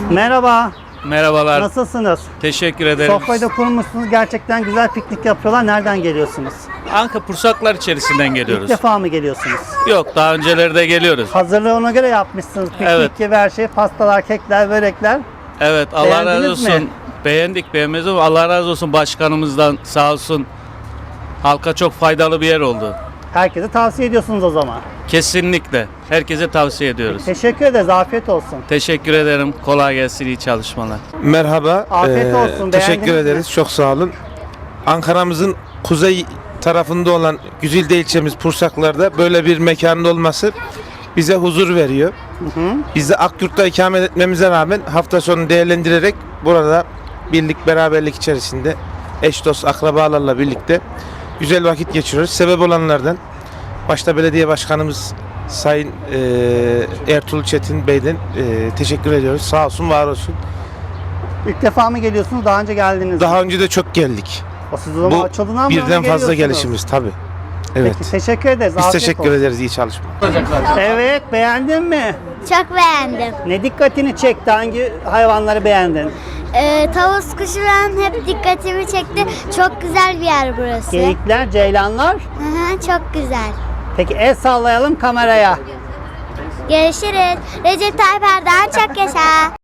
Merhaba, Merhabalar. nasılsınız? Teşekkür ederim. Sofrayı da kurmuşsunuz, gerçekten güzel piknik yapıyorlar. Nereden geliyorsunuz? Anka Pursaklar içerisinden İlk geliyoruz. defa mı geliyorsunuz? Yok, daha önceleri de geliyoruz. Hazırlığı ona göre yapmışsınız. Piknik Evet. gibi her şey, pastalar, kekler, börekler. Evet, Allah Beğendiniz razı olsun. mi? Beğendik, beğenmez ama Allah razı olsun başkanımızdan, sağ olsun. Halka çok faydalı bir yer oldu. Herkese tavsiye ediyorsunuz o zaman. Kesinlikle. Herkese tavsiye ediyoruz. Teşekkür ederiz, afiyet olsun. Teşekkür ederim. Kolay gelsin, iyi çalışmalar. Merhaba. Afiyet olsun, Teşekkür beğendiniz mi? ederiz. Çok sağ olun. Ankara'mızın kuzey tarafında olan Güzilde ilçemiz Pursaklar'da böyle bir mekanın olması bize huzur veriyor. Biz de Akyurt'ta ikamet etmemize rağmen hafta sonu değerlendirerek burada birlik beraberlik içerisinde eş dost akrabalarla birlikte güzel vakit geçiriyoruz. Sebep olanlardan başta belediye başkanımız Sayın Ertuğrul Çetin Bey'den teşekkür ediyoruz. Sağ olsun, var olsun. İlk defa mı geliyorsunuz, daha önce geldiniz mi? Daha önce de çok geldik. O siz o zaman Bu açıldığından mı birden fazla geliyorsunuz? gelişimiz tabii. Evet. Peki, teşekkür ederiz. Biz afiyet teşekkür olsun. ederiz. İyi çalışma. Evet, beğendin mi? Çok beğendim. Ne dikkatini çekti? Hangi hayvanları beğendin? Tavus kuşu benim hep dikkatimi çekti. Çok güzel bir yer burası. Geyikler, ceylanlar. Hı hı, çok güzel. Peki el sallayalım kameraya. Görüşürüz. Recep Tayyip Erdoğan çok yaşa.